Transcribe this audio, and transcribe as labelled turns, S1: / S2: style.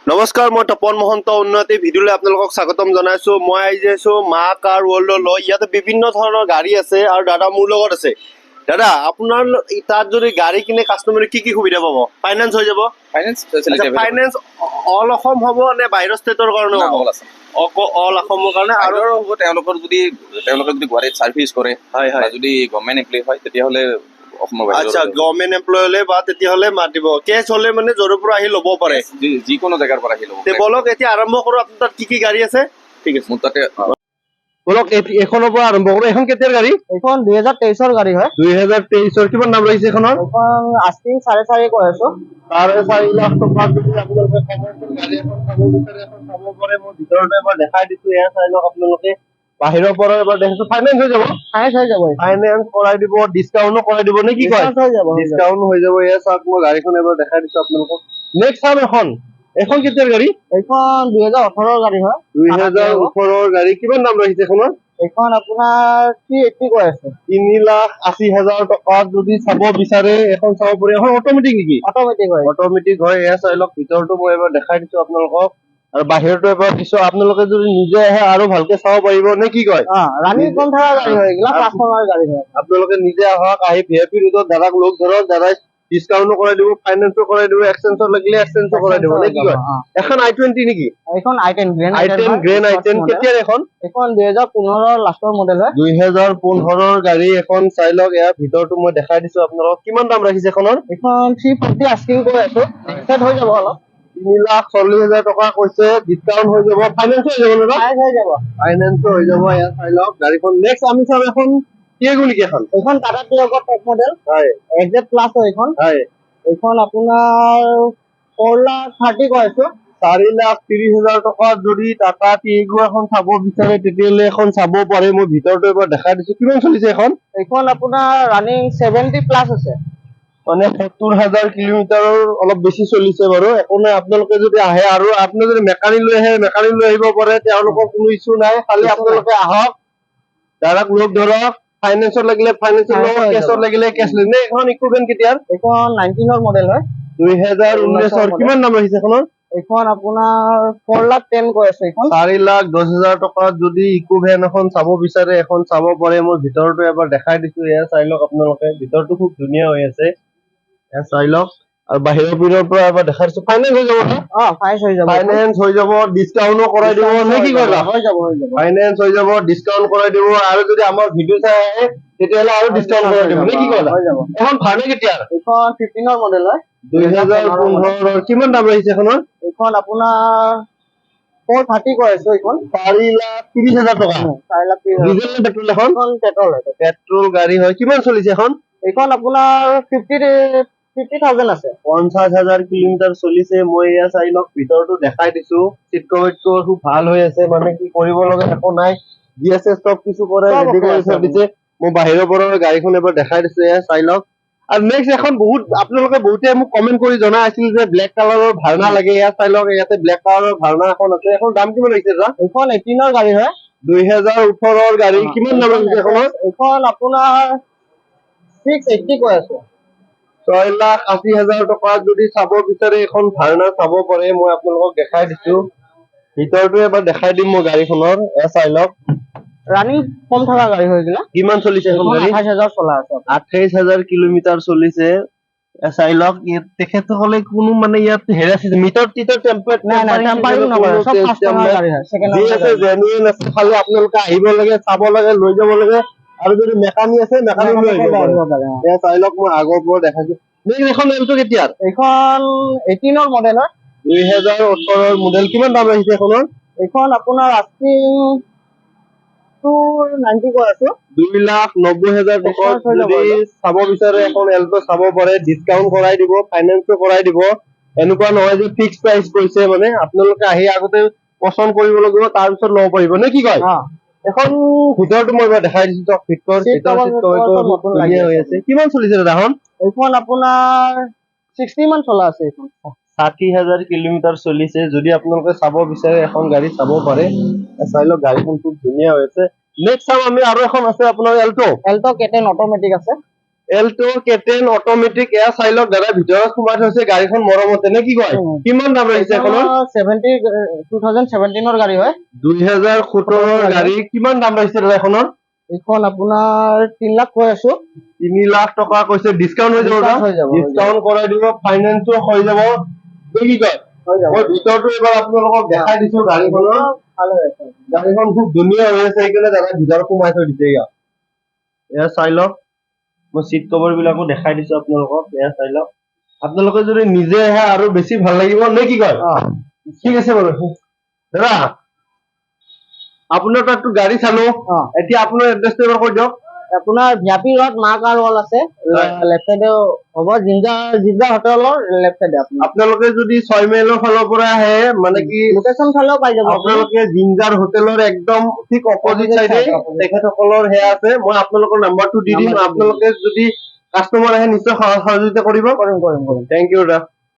S1: নমস্কাৰ, মই তপন মহন্ত উন্নতি ভিডিঅ'লৈ আপোনালোকক স্বাগতম জনাইছো। মই আহিছো মা কাৰ ৱৰ্ল্ডলৈ। ইয়াতে বিভিন্ন ধৰণৰ গাড়ী আছে আৰু দাদা মোৰ লগত আছে। দাদা, আপোনাৰ তাত যদি গাড়ী কিনে কাষ্টমাৰে কি কি সুবিধা পাব? ফাইনেন্স হৈ যাব?
S2: Finance facility
S1: finance all Assam হ'ব নে বাহিৰৰ ষ্টেটৰ কাৰণে হ'ব?
S2: অল আছে
S1: অল অসমৰ কাৰণে। আৰু
S2: আৰু হ'ব তেওঁলোকে যদি গুৱাহাটীত চাৰ্ভিচ কৰে
S1: হয়
S2: বা যদি গভৰ্ণমেণ্ট এমপ্লয়ী হয় তেতিয়াহ'লে অসমৰ
S1: আচ্ছা,
S2: বাহিৰৰ
S1: গভৰ্ণমেণ্ট এমপ্লয় হ'লে বা তেতিয়াহ'লে মাতিব। কেছ হ'লে মানে য'ৰ পৰা আহি ল'ব পাৰে।
S2: যিকোনো জেগাৰ পৰা আহি ল'ব
S1: তে বলক এতিয়া আৰম্ভ কৰোঁ। আপোনাৰ তাত কি কি গাড়ী আছে? ঠিক আছে,
S2: মোৰ তাতে
S1: বলক এখনৰ পৰা আৰম্ভ কৰোঁ। এখন কেতিয়াৰ গাড়ী?
S3: এইখন 2023 গাড়ী হয়।
S1: 2023 কিমান দাম লাগিছে এখনৰ?
S3: এইখন আস্কিং 4.5 কৈ আছো।
S1: 4.5 লাখ টকা যদি আপোনালোকে কমাৰ্চিয়েল গাড়ী এখন চাব বিচাৰে, এখন চাব পাৰে। মই ভিতৰতে এবাৰ দেখাই দিছো, এয়া চাই লওক আপোনালোকে। বাহিৰৰ পৰা এবাৰ দেখিছো। ফাইনেন্স হৈ যাব?
S3: ফাইনেন্স হৈ যাব।
S1: ফাইনেন্স কৰাই দিব, ডিছকাউণ্টো কৰাই দিব নে কি কয়?
S3: ডিছকাউণ্ট হৈ যাব।
S1: ডিছকাউণ্ট হৈ যাব। এয়া চাওক, মই গাড়ীখন এবাৰ দেখাই দিছো আপোনালোকক। নেক্সট চাম এখন। এখন কেতিয়াৰ গাড়ী?
S3: এইখন 2018 গাড়ী হয়।
S1: 2018 গাড়ী। কিমান দাম লাগিছে এখনৰ?
S3: এইখন আপোনাৰ 380 কৈ আছে।
S1: 3,80,000 টকাত যদি চাব বিচাৰে এখন চাব পাৰি। এখন অট'মেটিক নেকি?
S3: অট'মেটিক হয়।
S1: অট'মেটিক হয়। এয়া চাই লওক, ভিতৰতো মই এবাৰ দেখাই দিছো আপোনালোকক আৰু বাহিৰতো এবাৰ দিছো। আপোনালোকে যদি নিজে আহে আৰু ভালকে চাব পাৰিব নে কি কয়?
S3: ৰানিং কম থকা গাড়ী হয়, এইগিলা কাষ্টমাৰ গাড়ী হয়।
S1: আপোনালোকে নিজে আহক, আহি VIP ৰোডত দাদাক লগ ধৰক। দাদাই ডিছকাউণ্টো কৰাই দিব, ফাইনেন্সো কৰাই দিব, এক্সচেঞ্জৰ লাগিলে এক্সচেঞ্জো কৰাই দিব নে কি কয়? এখন i20 নেকি?
S3: এইখন i10 grand
S1: i10 grand i10 কেতিয়াৰ এখন?
S3: এইখন 2015 লাষ্টৰ মডেল হয়।
S1: 2015 গাড়ী এখন চাই লওক। ইয়াৰ ভিতৰতো মই দেখাই দিছো আপোনালোকক। কিমান দাম ৰাখিছে এখনৰ?
S3: এইখন 340 আস্কিং কৈ আছো। নেক্সট হৈ যাব অলপ।
S1: 3,40,000 টকা কৈছে, ডিছকাউণ্ট হৈ যাব, ফাইনেন্স হৈ যাব দাদা?
S3: ফাইনেন্স হৈ যাব।
S1: ফাইনেন্স হৈ যাব। এয়া চাই লওক গাড়ীখন। নেক্সট আমি চাম এখন টিয়াগো নেকি এখন?
S3: এইখন টাটা টিয়াগো টপ মডেল
S1: হয়
S3: XZ প্লাছ হয় এইখন।
S1: হয়।
S3: এইখন আপোনাৰ 4,30,000 কৈ আছো।
S1: 4,30,000 টকাত যদি টাটা টিয়াগো এখন চাব বিচাৰে তেতিয়াহ'লে এখন চাব পাৰে। মই ভিতৰতো এবাৰ দেখাই দিছো। কিমান চলিছে এখন?
S3: এইখন আপোনাৰ ৰানিং 70 প্লাছ আছে।
S1: মানে 70,000 কিলোমিটাৰৰ অলপ বেছি চলিছে বাৰু। একো নাই, আপোনালোকে যদি আহে আৰু আপুনি যদি মেকানিক লৈ আহে মেকানিক লৈ আহিব পাৰে। তেওঁলোকৰ কোনো ইছ্যু নাই। খালি আপোনালোকে আহক, দাদাক লগ ধৰক। ফাইনেন্সত লাগিলে ফাইনেন্সৰ লগ, কেছত লাগিলে কেছ লৈ। নে এখন ইকুইপমেণ্ট কেতিয়াৰ?
S3: এইখন 19 মডেল হয়।
S1: 2019 কিমান দাম ৰাখিছে এখনৰ?
S3: এইখন আপোনাৰ 4,10,000 কৈ আছে। এইখন
S1: 4,10,000 টকাত যদি ইকো ভেন এখন চাব বিচাৰে এখন চাব পাৰে। মই ভিতৰতো এবাৰ দেখাই দিছো। এয়া চাই লওক আপোনালোকে। ভিতৰতো খুব ধুনীয়া হৈ আছে। এয়া চাই লওক আৰু বাহিৰৰ পিনৰ পৰা এবাৰ দেখাই দিছো। ফাইনেন্স হৈ যাব ন?
S3: ফাইনেন্স হৈ যাব।
S1: ফাইনেন্স হৈ যাব, ডিছকাউণ্টো কৰাই দিব নে কি কয়?
S3: হৈ যাব হৈ যাব।
S1: ফাইনেন্স হৈ যাব, ডিছকাউণ্ট কৰাই দিব। আৰু যদি আমাৰ ভিডিঅ' চাই আহে তেতিয়াহ'লে আৰু ডিছকাউণ্ট কৰাই দিব নে কি কয়?
S3: হৈ যাব।
S1: এখন ভাড়া কেতিয়া?
S3: এইখন 15 মডেল হয়।
S1: 2015 কিমান দাম আহিছে এখনৰ?
S3: এইখন আপোনাৰ 430 কৈ আছো। এইখন
S1: 4,30,000 টকা।
S3: 4,30,000।
S1: ডিজেল নে পেট্ৰল এখন?
S3: এইখন পেট্ৰল হয়।
S1: পেট্ৰল গাড়ী হয়। কিমান চলিছে এখন?
S3: এইখন আপোনাৰ 50,000 আছে।
S1: 50,000 কিলোমিটাৰ চলিছে। মই এয়া চাই লওক, ভিতৰতো দেখাই দিছো। চিট কভাৰটো খুব ভাল হৈ আছে। মানে কি কৰিব লগা একো নাই। GSS চব কিছু কৰে, ৰেডি কৰি থৈ দিছে। মই বাহিৰৰ পৰা গাড়ীখন এবাৰ দেখাই দিছো। এয়া চাই লওক। আৰু নেক্সট এখন আপোনালোকে বহুতে মোক কমেণ্ট কৰি জনাই আছিল যে ব্লেক কালাৰৰ ভাৰ্ণা লাগে। ইয়াত চাই লওক, ইয়াতে ব্লেক কালাৰৰ ভাৰ্ণা এখন আছে। এখন দাম কিমান লাগিছে দাদা?
S3: এইখন 18 গাড়ী হয়।
S1: 2018 গাড়ী। কিমান দাম লাগিছে এখনৰ?
S3: এইখন আপোনাৰ 680 কৈ আছে।
S1: 6,80,000 টকাত যদি চাব বিচাৰে এখন ভাৰ্ণা চাব পাৰে। মই আপোনালোকক দেখাই দিছো। ভিতৰটো এবাৰ দেখাই দিম মই গাড়ীখনৰ। এয়া চাই লওক।
S3: ৰানিং কম থকা গাড়ী হৈ গ'লা।
S1: কিমান চলিছে এখন গাড়ী?
S3: 28,000 চলা আছে।
S1: 28,000 কিলোমিটাৰ চলিছে। চাই লওক। তেখেতসকলে কোনো মানে ইয়াত হেৰাইছে মিটাৰ টিটাৰ টেম্পাৰেট
S3: নাই নাই, টেম্পাৰিং নকৰে, চব কাষ্টমাৰ গাড়ী হয়। সেকেণ্ড
S1: যি আছে জেনুইন আছে। খালি আপোনালোকে আহিব লাগে, চাব লাগে, লৈ যাব লাগে। আৰু যদি মেকানিক আছে মেকানিক লৈ আহিব পাৰে। এয়া চাই লওক, মই আগৰ পৰা দেখাইছো। এখন এলটো কেতিয়াৰ?
S3: এইখন 18 মডেল হয়।
S1: 2018 মডেল। কিমান দাম আহিছে এখনৰ?
S3: এইখন আপোনাৰ আস্কিং 290 কৈ আছো।
S1: 2,90,000 টকাত যদি চাব বিচাৰে এখন এলটো চাব পাৰে। ডিছকাউণ্ট কৰাই দিব, ফাইনেন্সো কৰাই দিব। এনেকুৱা নহয় যে ফিক্স প্ৰাইচ কৈছে। মানে আপোনালোকে আহি আগতে পচন্দ কৰিব লাগিব, তাৰপিছত ল'ব পাৰিব নে কি কয়? এখন ভিতৰতো মই এবাৰ দেখাই দিছো। ধুনীয়া হৈ আছে। কিমান চলিছে দাদা এখন?
S3: এইখন আপোনাৰ 60 মান চলা আছে। এইখন
S1: 60,000 কিলোমিটাৰ চলিছে। যদি আপোনালোকে চাব বিচাৰে এখন গাড়ী চাব পাৰে। চাই লওক, গাড়ীখন খুব ধুনীয়া হৈ আছে। নেক্সট চাম আমি আৰু এখন আছে আপোনাৰ এলটো।
S3: K10 অট'মেটিক আছে।
S1: এল্টো কেটেন অট'মেটিক এয়া চাই লওক দাদা, ভিতৰত সোমাই থৈছে গাড়ীখন মৰমতে নে কি কয়? কিমান দাম লাগিছে এখনৰ?
S3: 2017 গাড়ী হয়।
S1: 2017 গাড়ী। কিমান দাম লাগিছে দাদা এখনৰ?
S3: এইখন আপোনাৰ 3 লাখ কৈ আছো।
S1: 3 লাখ টকা কৈছে, ডিছকাউণ্ট হৈ যাব না?
S3: হৈ যাব, হৈ যাব।
S1: ডিছকাউণ্ট কৰাই দিব, ফাইনেন্সো হৈ যাব। নে কি কয়?
S3: হৈ যাব।
S1: মই ভিতৰটো এবাৰ আপোনালোকক দেখাই দিছো গাড়ীখনৰ।
S3: ভাল হৈ আছে।
S1: গাড়ীখন খুব ধুনীয়া হৈ আছে, সেইকাৰণে দাদা ভিতৰত সোমাই থৈ দিছে। এয়া চাই লওক, মই চিট কভাৰ বিলাকো দেখাই দিছো আপোনালোকক। এয়া চাই লওক, আপোনালোকে যদি নিজে আহে আৰু বেছি ভাল লাগিব নে কি কয়? ঠিক আছে বাৰু দাদা, আপোনাৰ তাততো গাড়ী চালো, এতিয়া আপোনাৰ এড্ৰেছটো এবাৰ কৈ দিয়ক।
S3: আপোনাৰ ভিয়াপি ৰোড মা কাৰ ৱাল আছে, লেফ্ট চাইডে হ'ব, জিঞ্জা হোটেলৰ লেফ্ট চাইডে
S1: আপোনালোকে যদি 6 মাইলৰ ফালৰ পৰা আহে, মানে কি
S3: লোকেশ্যন চালেও পাই যাব।
S1: আপোনালোকে জিঞ্জাৰ হোটেলৰ একদম ঠিক অপজিট চাইডে তেখেতসকলৰ সেয়া আছে। মই আপোনালোকৰ নাম্বাৰটো দি দিম, আপোনালোকে যদি কাষ্টমাৰ আহে নিশ্চয় সহযোগিতা কৰিব।
S3: কৰিম।
S1: থেংক ইউ দাদা।